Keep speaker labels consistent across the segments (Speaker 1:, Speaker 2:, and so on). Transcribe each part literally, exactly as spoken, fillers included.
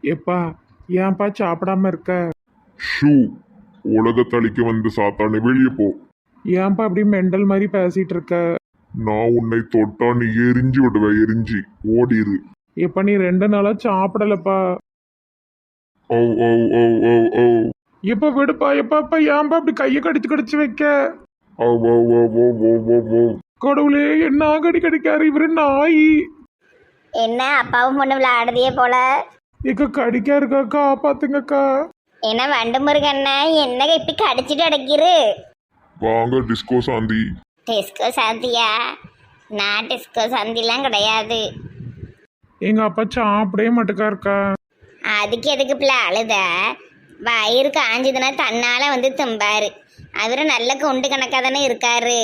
Speaker 1: எப்பா ஏன்பா சாப்பிடாம இருக்க?
Speaker 2: ஷூ உலகத்தளிக்க வந்து சாத்தானே வெளியே போ.
Speaker 1: ஏன்பா அப்படி மெண்டல் மாதிரி பேசிட்டு இருக்க?
Speaker 2: நான் உன்னை தொட்டா நீ எரிஞ்சு விடுவேன், எரிஞ்சு ஓடிரு.
Speaker 1: எப்ப நீ ரெண்டு நாளா சாப்பிடலப்பா.
Speaker 2: ஓ ஓ ஓ ஓ ஓ
Speaker 1: எப்ப விடுப்பா. எப்பா எப்பா ஏன்பா அப்படி கையை கடிச்சு கடிச்சு வைக்க?
Speaker 2: ஓ ஓ ஓ ஓ ஓ ஓ ஓ
Speaker 1: கடவுளே என்ன கடி கடிக்காரு இவரு நாய்.
Speaker 3: என்ன அப்பாவும் பொண்ணு விளையாடுதே போல.
Speaker 1: இக்க கடிக்கா இருக்காக்கா பாத்துங்கக்கா.
Speaker 3: என்ன வண்டு முருகண்ண என்ன இப்படி கடிச்சிட்டு அடைக்கிரு?
Speaker 2: வாங்க டிஸ்கோ சாந்தி.
Speaker 3: டிஸ்கோ சாந்தியா? நான் டிஸ்கோ சாந்திலாம் கிடையாது.
Speaker 1: எங்க அப்பா சாப்பிடவே மாட்டுக்காருக்கா.
Speaker 3: அதுக்கு எதுக்கு பிள்ளை அழுத? வயிறு காஞ்சதுன்னா தன்னால வந்து தும்பாரு. அவரு நல்ல குண்டு கணக்காக தானே இருக்காரு.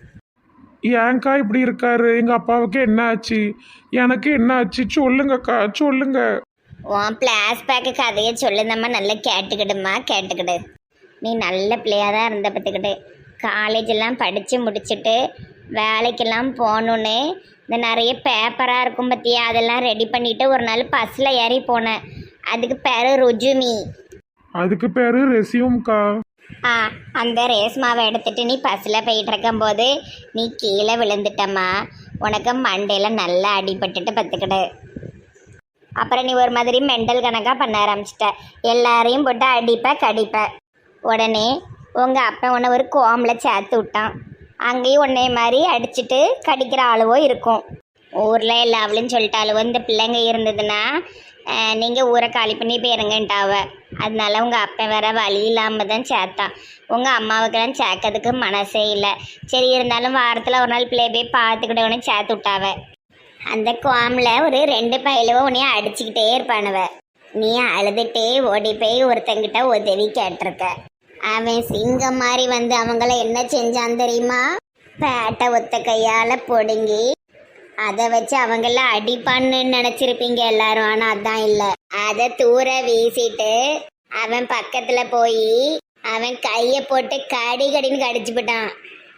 Speaker 1: ஏன்க்கா இப்படி இருக்காரு? எங்க அப்பாவுக்கு என்ன ஆச்சு? எனக்கு என்ன ஆச்சு சொல்லுங்கக்கா சொல்லுங்க.
Speaker 3: உன் பிளாஸ்பேக்கு கதையை சொல்லுந்தம்மா நல்லா கேட்டுக்கிடுமா கேட்டுக்கிடு. நீ நல்ல பிள்ளையாக தான் இருந்த பத்துக்கிட்டு காலேஜ் எல்லாம் படித்து முடிச்சுட்டு வேலைக்கெல்லாம் போகணுன்னு இந்த நிறைய பேப்பராக இருக்கும் பற்றியா அதெல்லாம் ரெடி பண்ணிவிட்டு ஒரு நாள் பஸ்ஸில் ஏறி போனேன். அதுக்கு பேர் ருஜுமி.
Speaker 1: அதுக்கு பேரு ரெசியூம்க்கா.
Speaker 3: ஆ அந்த ரேஸ்மாவை எடுத்துட்டு நீ பஸ்ஸில் போயிட்டு இருக்கும்போது நீ கீழே விழுந்துட்டம்மா. உனக்கு மண்டையில் நல்லா அடிபட்டுட்டு பத்துக்கிடு. அப்புறம் நீ ஒரு மாதிரி மெண்டல் கணக்காக பண்ண ஆரம்பிச்சிட்ட. எல்லாரையும் போட்டு அடிப்ப கடிப்ப. உடனே உங்கள் அப்பா உன்னை ஒரு கோமில் சேர்த்து விட்டான். அங்கேயும் உன்னை மாதிரி அடிச்சுட்டு கடிக்கிற ஆளுவோ இருக்கும். ஊரில் எல்லா அவளும் சொல்லிட்டாளுவோ இந்த பிள்ளைங்க இருந்ததுன்னா நீங்கள் ஊரை காலி பண்ணி போயிருங்கன்ட்டாவ. அதனால உங்கள் அப்பா வேற வழி இல்லாமல் தான் சேர்த்தான். உங்கள் அம்மாவுக்கெல்லாம் சேர்க்கறதுக்கு மனசே இல்லை. சரி இருந்தாலும் வாரத்தில் ஒரு நாள் பிள்ளைய போய் பார்த்துக்கிட்டவனே சேர்த்து விட்டாவ. அந்த கோமில் ஒரு ரெண்டு பயிலுவோ உன்னைய அடிச்சுக்கிட்டே இருப்பானுவ. நீ அழுதுகிட்டே ஓடி போய் ஒருத்தங்கிட்ட உதவி கேட்டிருக்க. அவன் சிங்கம் மாதிரி வந்து அவங்கள என்ன செஞ்சான் தெரியுமா? பேட்டை ஒத்த கையால் பொடுங்கி அதை வச்சு அவங்கள அடிப்பான்னு நினச்சிருப்பீங்க எல்லாரும். ஆனால் அதான் இல்லை. அதை தூர வீசிட்டு அவன் பக்கத்தில் போய் அவன் கையை போட்டு கடி கடின்னு கடிச்சு போட்டான்.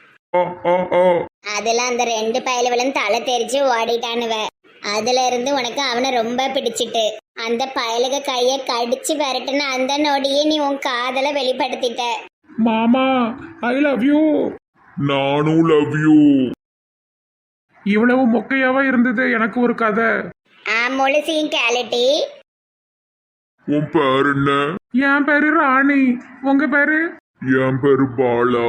Speaker 3: அதுல அந்த ரெண்டு பயலுவலும் தலை தெரிச்சு ஓடிட்டானுவ. அதுல இருந்து உனக்கு அவனை ரொம்ப பிடிச்சிட்டு அந்த பயலுக கைய கடிச்சு விரட்டுன அந்த நொடியே நீ உன் காதல வெளிப்படுத்திட்ட.
Speaker 1: மாமா ஐ லவ் யூ.
Speaker 2: நானும் லவ் யூ.
Speaker 1: இவ்வளவு மொக்கையாவா இருந்தது எனக்கு ஒரு கதை.
Speaker 3: ஆ முழுசையும் கேளுட்டி.
Speaker 2: உன் பேர் என்ன?
Speaker 1: என் பேரு ராணி. உங்க பேரு?
Speaker 2: என் பேரு பாலா.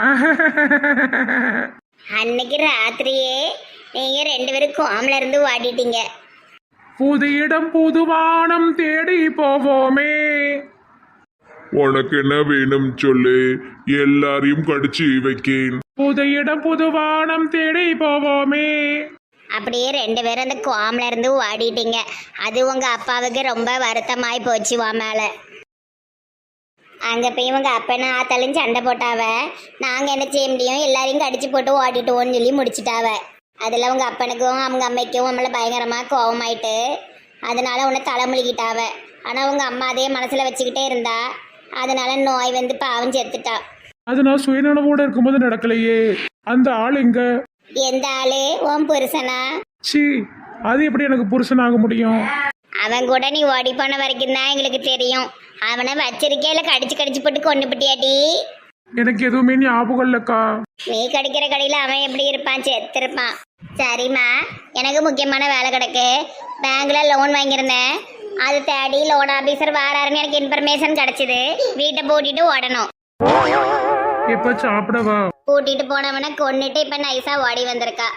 Speaker 3: அன்னைக்கு ராத்திரியே நீங்க ரெண்டு பேரும் கோமல இருந்து ஓடிட்டீங்க.
Speaker 1: புது இடம் புது வானம் தேடி போவோமே.
Speaker 2: உனக்கு என்ன வேணும் சொல்லு, எல்லாரையும் கடிச்சு வைக்கேன்.
Speaker 1: புது இடம் புது வானம் தேடி போவோமே.
Speaker 3: அப்படியே ரெண்டு பேரும் அந்த கோமல இருந்து ஓடிட்டீங்க. அது உங்க அப்பாவுக்கு ரொம்ப வருத்தமாய் போச்சு வா மேல. அங்கே போய் இவங்க அப்பனா ஆத்தாலும் சண்டை போட்டாவ. நாங்கள் என்ன செய்ய முடியும்? எல்லாரையும் கடிச்சு போட்டு ஓடிட்டோன்னு சொல்லி முடிச்சிட்டாவ. அதில் உங்கள் அப்பனுக்கும் அவங்க அம்மைக்கும் நம்மளை பயங்கரமாக கோவமாயிட்டு அதனால உன்னை தலைமுழுகிட்டாவ. ஆனால் உங்கள் அம்மா அதே மனசில் வச்சுக்கிட்டே இருந்தா. அதனால நோய் வந்து பாவம் செத்துட்டா.
Speaker 1: அது நான் சுயநலவோட இருக்கும்போது நடக்கலையே. அந்த ஆள் எங்க?
Speaker 3: எந்த ஆளு? உன் புருஷனா?
Speaker 1: சி அது எப்படி எனக்கு புருஷனாக முடியும்?
Speaker 3: அவன் கூட நீ ஓடி போன வரைக்கும் தான் எங்களுக்கு தெரியும். அவனை வச்சிருக்கே இல்லை கடிச்சு கடிச்சு போட்டு கொண்டு பிட்டியாட்டி?
Speaker 1: எனக்கு எதுவுமே ஞாபகம் இல்லக்கா.
Speaker 3: நீ கடிக்கிற கடையில் அவன் எப்படி இருப்பான்? செத்துருப்பான். சரிம்மா, எனக்கு முக்கியமான வேலை கிடக்கு. பேங்க்ல லோன் வாங்கியிருந்தேன். அது தேடி லோன் ஆபீசர் வாராருன்னு எனக்கு இன்ஃபர்மேஷன் கிடைச்சிது. வீட்டை பூட்டிட்டு ஓடணும்.
Speaker 1: எப்ப சாப்பிடவா?
Speaker 3: கூட்டிட்டு போனவனை கொன்னுட்டு இப்ப நைஸா ஓடி வந்திருக்கா.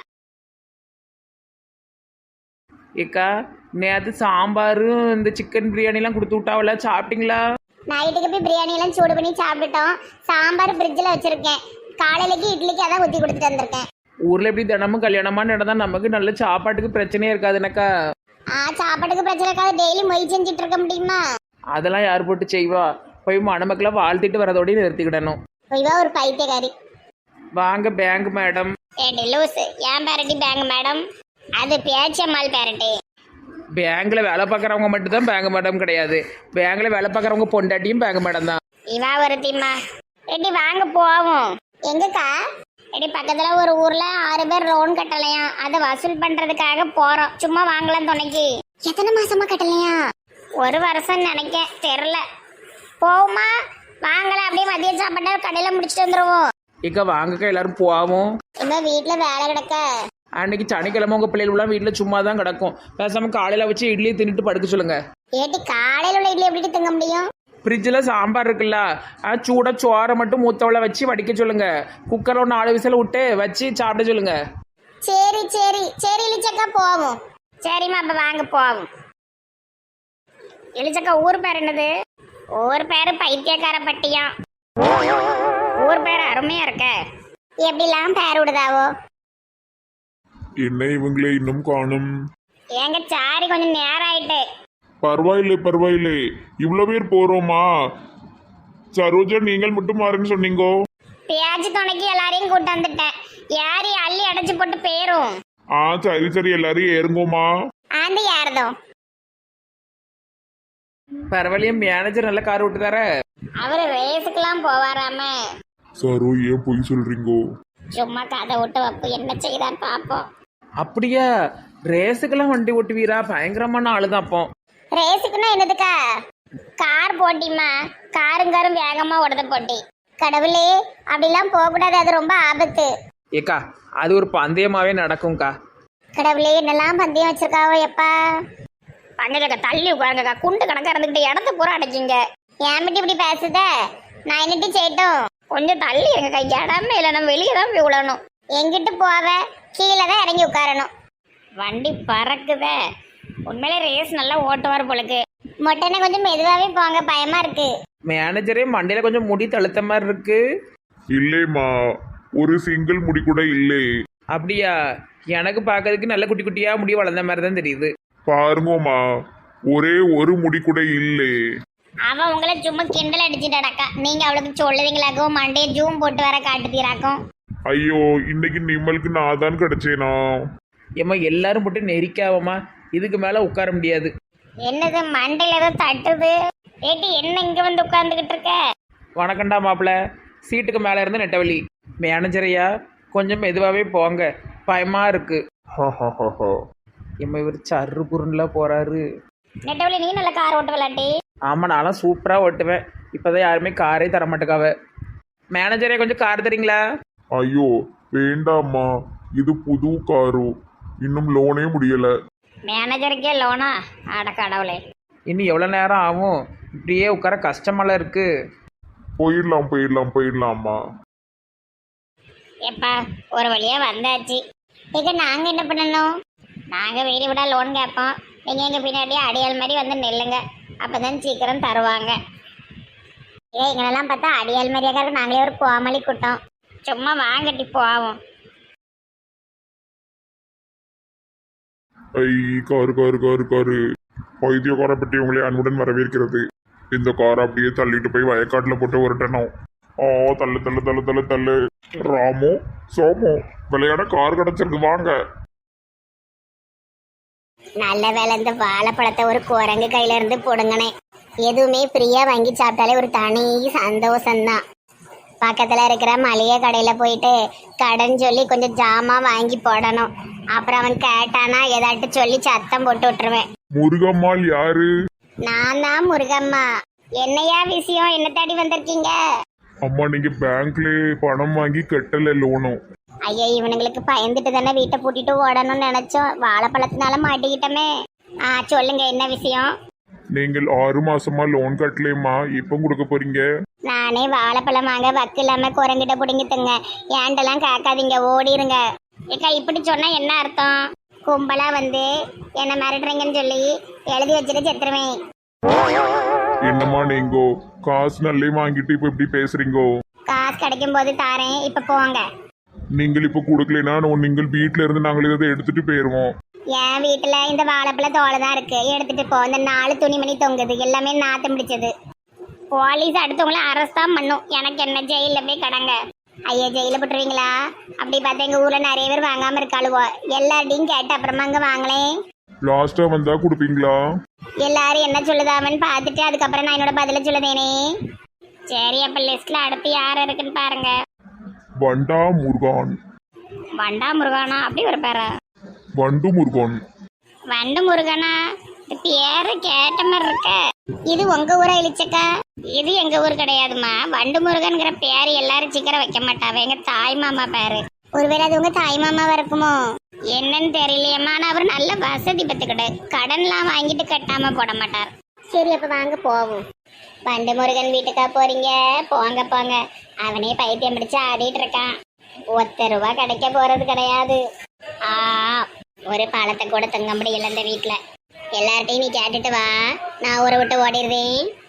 Speaker 4: ஏக்கா நேற்று சாம்பாரும் இந்த சிக்கன் பிரியாணிலாம் கொடுத்து விட்டாவல, சாப்பிட்டீங்களா?
Speaker 3: நைட்டுக்கு போய் பிரியாணி எல்லாம் சூடு பண்ணி சாப்பிட்டுட்டோம். சாம்பார் ஃப்ரிட்ஜில் வச்சிருக்கேன். காலையிலக்கு இட்லிக்கு அதான் ஊற்றி கொடுத்துட்டு வந்திருக்கேன்.
Speaker 4: ஊரில் எப்படி தினமும் கல்யாணமா நடந்தா நமக்கு நல்ல சாப்பாட்டுக்கு பிரச்சனையே இருக்காதுனக்கா.
Speaker 3: ஆ சாப்பாட்டுக்கு பிரச்சனை இருக்காது. டெய்லி மொய் செஞ்சுட்டு இருக்க முடியுமா?
Speaker 4: அதெல்லாம் யார் போட்டு செய்வா? போய் மணமக்களை வாழ்த்திட்டு வரதோடய நிறுத்திக்கிடணும்.
Speaker 3: இவா ஒரு பைத்தியக்காரி.
Speaker 4: வாங்க பேங்க் மேடம்.
Speaker 3: ஏடி லூசு, ஏன் பேரட்டி பேங்க் மேடம்? அது பேச்சம்மாள் பேரட்டி.
Speaker 4: பேங்க்ல வேலை பார்க்குறவங்க மட்டும்தான் பேங்க் மேடம் கிடையாது. பேங்க்ல வேலை பார்க்குறவங்க பொண்டாட்டியும் பேங்க் மேடம் தான்.
Speaker 3: இவா ஒரு தீமா. ரெட்டி வாங்க போவோம். எங்கக்கா? ரெட்டி பக்கத்துல ஒரு ஊர்ல ஆறு பேர் லோன் கட்டலையா, அதை வசூல் பண்றதுக்காக போறோம். சும்மா வாங்கலாம் துணைக்கு. எத்தனை மாசமா கட்டலையா? ஒரு வருஷம் நினைக்க தெரில. போகுமா? வாங்கல, அப்படியே மதிய சாப்பாட்டை கடையில் முடிச்சுட்டு வந்துடுவோம்.
Speaker 4: இக்கா வாங்கக்கா எல்லாரும் போவோம்.
Speaker 3: இன்னும் வீட்டில் வேலை கிடக்க.
Speaker 4: அன்னைக்கு சனிக்கிழமை உங்கள் பிள்ளைகள்லாம் வீட்டில் சும்மா தான் கிடக்கும். பேசாமல் காலையில் வச்சு இட்லியை தின்னுட்டு படுக்க சொல்லுங்க.
Speaker 3: ஏட்டி காலையில் உள்ள இட்லி எப்படி திங்க முடியும்?
Speaker 4: ஃப்ரிட்ஜில் சாம்பார் இருக்குல்ல, அது சூடாக சோறை மட்டும் மூத்தவளை வச்சு வடிக்க சொல்லுங்க. குக்கரில் ஒரு நாலு விசில் விட்டு வச்சு சாப்பிட சொல்லுங்க.
Speaker 3: சரி சரி சரி இளிச்சக்கா போவோம். சரிம்மா, அப்போ வாங்க போவோம். இளிச்சக்கா ஊர் பேர் என்னது? ஊர் பேர் பைத்தியக்கார பட்டியாம். ஊர் பேர் அருமையா இருக்க. எப்படிலாம் பேர் விடுதாவோ?
Speaker 2: என்ன இவங்களே இன்னும் காணும்?
Speaker 3: ஏங்க சாரி, கொஞ்சம் நேரம் ஆயிட்டு.
Speaker 2: பரவாயில்லை பரவாயில்லை, இவ்வளோ பேர் போறோமா? சரோஜா நீங்கள் மட்டும் மாறுன்னு சொன்னீங்கோ.
Speaker 3: பேச்சு துணைக்கு எல்லாரையும் கூட்டு வந்துட்டேன். யாரி அள்ளி அடைச்சு போட்டு போயிரும்.
Speaker 2: ஆ சரி சரி, எல்லாரும் ஏறுங்கோமா.
Speaker 3: ஆந்து யாரதோ
Speaker 4: பரவாயில்லையே, மேனேஜர் நல்ல கார் விட்டு தர.
Speaker 3: அவரு ரேஸுக்கெல்லாம் போவாராம.
Speaker 2: சரோ ஏன் பொய் சொல்றீங்கோ?
Speaker 3: சும்மா கதை விட்டு வைப்பு என்ன செய்தான்னு பார்ப்போம்.
Speaker 4: அப்படியா? ரேஸுக்கெல்லாம் வண்டி ஓட்டுவீரா? பயங்கரமான ஆளு தான் அப்போ.
Speaker 3: ரேஸுக்குன்னா என்னதுக்கா? கார் போட்டிமா, காருங்காரும் வேகமா ஓடுத போட்டி. கடவுளே, அப்படிலாம் போகக்கூடாது, அது ரொம்ப ஆபத்து.
Speaker 4: ஏக்கா அது ஒரு பந்தயமாவே நடக்கும்க்கா.
Speaker 3: கடவுளே, என்னெல்லாம் பந்தயம் வச்சிருக்காவோ எப்பா. பங்கக்கா தள்ளி உட்காருங்கக்கா, குண்டு கணக்கா இருந்துக்கிட்டு இடத்த பூரா அடைச்சிங்க. ஏன் மட்டும் இப்படி பேசுத? நான் என்னட்டு செய்யட்டும்? கொஞ்சம் தள்ளி எங்கக்கா, இடமே இல்லை, நம்ம வெளியே தான் போய் விடணும். எங்கிட்டு போவ? கீழே தான் இறங்கி உட்காரணும். வண்டி பறக்குதே. உண்மையிலே ரேஸ் நல்லா ஓட்டுவார் போலுக்கு. மொட்டனை கொஞ்சம் மெதுவாகவே போங்க, பயமா இருக்கு.
Speaker 4: மேனேஜரே மண்டையில கொஞ்சம் முடி தழுத்த மாதிரி இருக்கு.
Speaker 2: இல்லைம்மா, ஒரு சிங்கிள் முடி கூட இல்லை.
Speaker 4: அப்படியா? எனக்கு பார்க்கறதுக்கு நல்ல குட்டி குட்டியா முடி வளர்ந்த மாதிரி தான் தெரியுது.
Speaker 2: பாருங்கோமா, ஒரே ஒரு முடி கூட இல்லை.
Speaker 3: அவன் உங்களை சும்மா கிண்டல் அடிச்சுட்டாக்கா. நீங்க அவளுக்கு சொல்லுவீங்களாக்கும், மண்டையை ஜூம் போட்டு வர காட்டுத்தீராக்கும்.
Speaker 2: ஐயோ, இன்னைக்கு நிம்மலுக்கு நான் தான் கிடைச்சேனா?
Speaker 4: ஏம்மா எல்லாரும் போட்டு நெரிக்காவமா, இதுக்கு மேல உட்கார முடியாது.
Speaker 3: என்னது மண்டையில ஏதோ தட்டுது? ஏட்டி என்ன இங்க வந்து உட்கார்ந்துகிட்டு இருக்க?
Speaker 4: வணக்கண்டா மாப்பிள்ள. சீட்டுக்கு மேல இருந்து நெட்டவழி. மேனேஜரையா கொஞ்சம் மெதுவாகவே போங்க, பயமா இருக்கு. எம்ம இவர் சர்ரு புருன்ல போறாரு.
Speaker 3: நெட்டவழி, நீ நல்ல கார் ஓட்ட விளாட்டி.
Speaker 4: ஆமா, நானும் சூப்பரா ஓட்டுவேன். இப்பதான் யாருமே காரே தர மாட்டேக்காவ. மேனேஜரே கொஞ்சம் கார் தரீங்களா?
Speaker 2: ஐயோ வேண்டாம்மா, இது புது காரு, இன்னும் லோனே முடியல.
Speaker 3: மேனேஜருக்கே லோனா? அட கடவுளே.
Speaker 4: இன்னும் எவ்வளோ நேரம் ஆகும்? இப்படியே உட்கார கஷ்டமெல்லாம் இருக்கு.
Speaker 2: போயிடலாம் போயிடலாம் போயிடலாம்மா.
Speaker 3: எப்பா ஒரு வழியா வந்தாச்சு. இங்க நாங்க என்ன பண்ணணும்? நாங்க வீடு விட லோன் கேட்போம். நீங்க எங்க பின்னாடி அடியால் மாதிரி வந்து நில்லுங்க, அப்பதான் சீக்கிரம் தருவாங்க. ஏ எங்களெல்லாம் பார்த்தா அடியால் மாதிரியாக நாங்களே ஒரு கோமளி கூட்டம். சும்மா வாங்கட்டி போவோம்.
Speaker 2: ஐ காரு காரு காரு காரு பைத்தியக்கார பெட்டி உங்களை அன்புடன் வரவேற்கிறது. இந்த காரை அப்படியே தள்ளிட்டு போய் வயக்காட்டுல போட்டு உருட்டணும். ஓ தள்ளு தள்ளு தள்ளு தள்ளு தள்ளு. ராமு சோமு விளையாட கார் கிடைச்சிருக்கு, வாங்க.
Speaker 3: நல்ல வேலை, இந்த வாழைப்பழத்தை ஒரு குரங்கு கையில இருந்து போடுங்கனே. எதுவுமே ஃப்ரீயா வாங்கி சாப்பிட்டாலே ஒரு தனி சந்தோஷம்தான். பக்கத்துல இருக்கிற மளிகை கடையில போயிட்டு கடன் சொல்லி கொஞ்சம் ஜாமா வாங்கி போடணும். அப்புறம் அவன் கேட்டானா ஏதாட்டு சொல்லி சத்தம் போட்டு விட்டுருவேன்.
Speaker 2: முருகம்மாள் யாரு?
Speaker 3: நான் தான் முருகம்மா. என்னையா விஷயம்? என்ன தேடி வந்திருக்கீங்க?
Speaker 2: அம்மா, நீங்க பேங்க்ல பணம் வாங்கி கட்டல லோனும்.
Speaker 3: ஐயா, இவனுங்களுக்கு பயந்துட்டு தானே வீட்டை பூட்டிட்டு ஓடணும்னு நினைச்சோம். வாழைப்பழத்தினால மாட்டிக்கிட்டோமே. ஆ சொல்லுங்க, என்ன விஷயம்?
Speaker 2: நீங்கள் ஆறு மாசமா லோன் கட்டலையுமா, இப்ப கொடுக்க போறீங்க?
Speaker 3: நானே வாழைப்பழம் வாங்க வக்கு இல்லாம குரங்கிட்ட பிடிங்கிட்டுங்க. ஏண்டெல்லாம் கேட்காதீங்க, ஓடிருங்க. ஏக்கா இப்படி சொன்னா என்ன அர்த்தம்? கும்பலா வந்து என்ன மிரட்டுறீங்கன்னு சொல்லி எழுதி வச்சுட்டு செத்துருவேன்.
Speaker 2: என்னம்மா நீங்கோ காசு நல்லே வாங்கிட்டு இப்ப இப்படி பேசுறீங்கோ?
Speaker 3: காசு கிடைக்கும் போது தாரேன், இப்ப போங்க.
Speaker 2: நீங்கள் இப்ப கொடுக்கலைன்னா நீங்கள் வீட்டுல இருந்து நாங்கள் இதை எடுத்துட்டு போயிருவோம்.
Speaker 3: என் வீட்டுல இந்த வாழைப்பழ தோலை தான் இருக்கு, எடுத்துட்டு போ. இந்த நாலு துணிமணி தொங்குது, எல்லாமே நாத்தம் பிடிச்சது. போலீஸ் அடுத்தவங்கள அரெஸ்ட் தான் பண்ணும். எனக்கு என்ன, ஜெயில போய் கடங்க. ஐயா ஜெயில போட்டுருவீங்களா? அப்படி பார்த்தா எங்க ஊர்ல நிறைய பேர் வாங்காம இருக்காளுவோ. எல்லார்டையும் கேட்டு அப்புறமா அங்க வாங்களேன்.
Speaker 2: லாஸ்டா வந்தா கொடுப்பீங்களா?
Speaker 3: எல்லாரும் என்ன சொல்லுதாமன்னு பார்த்துட்டு அதுக்கப்புறம் நான் என்னோட பதில சொல்லுதேனே. சரி, அப்ப லிஸ்ட்ல அடுத்து யார் இருக்குன்னு பாருங்க.
Speaker 2: வண்டா முருகான்.
Speaker 3: வண்டா முருகானா? அப்படி ஒரு பேரா?
Speaker 2: வண்டு முருகன்.
Speaker 3: வண்டு முருகனா? பேரு கேட்ட மாதிரி இருக்க. இது உங்க ஊரா இழிச்சக்கா? இது எங்க ஊர் கிடையாதுமா. வண்டு முருகன்கிற பேரு எல்லாரும் சீக்கிரம் வைக்க மாட்டாவே. எங்க தாய் மாமா பேரு. ஒருவேளை அது உங்க தாய் மாமாவா இருக்குமோ என்னன்னு தெரியலையம்மா. ஆனா அவர் நல்ல வசதி பத்துக்கிட்டு கடன்லாம் வாங்கிட்டு கட்டாம போட மாட்டார். சரி அப்ப வாங்க போவோம். வண்டு முருகன் வீட்டுக்கா போறீங்க? போங்க போங்க. அவனே பைத்தியம் பிடிச்சு ஆடிட்டு இருக்கான். ஒத்த ரூபா கிடைக்க போறது கிடையாது. ஆ ஒரு பழத்தை கூட தங்க முடியல இந்த வீட்டுல. எல்லார்ட்டையும் நீ கேட்டுட்டு வா, நான் ஊரை விட்டு ஓடிடுவேன்.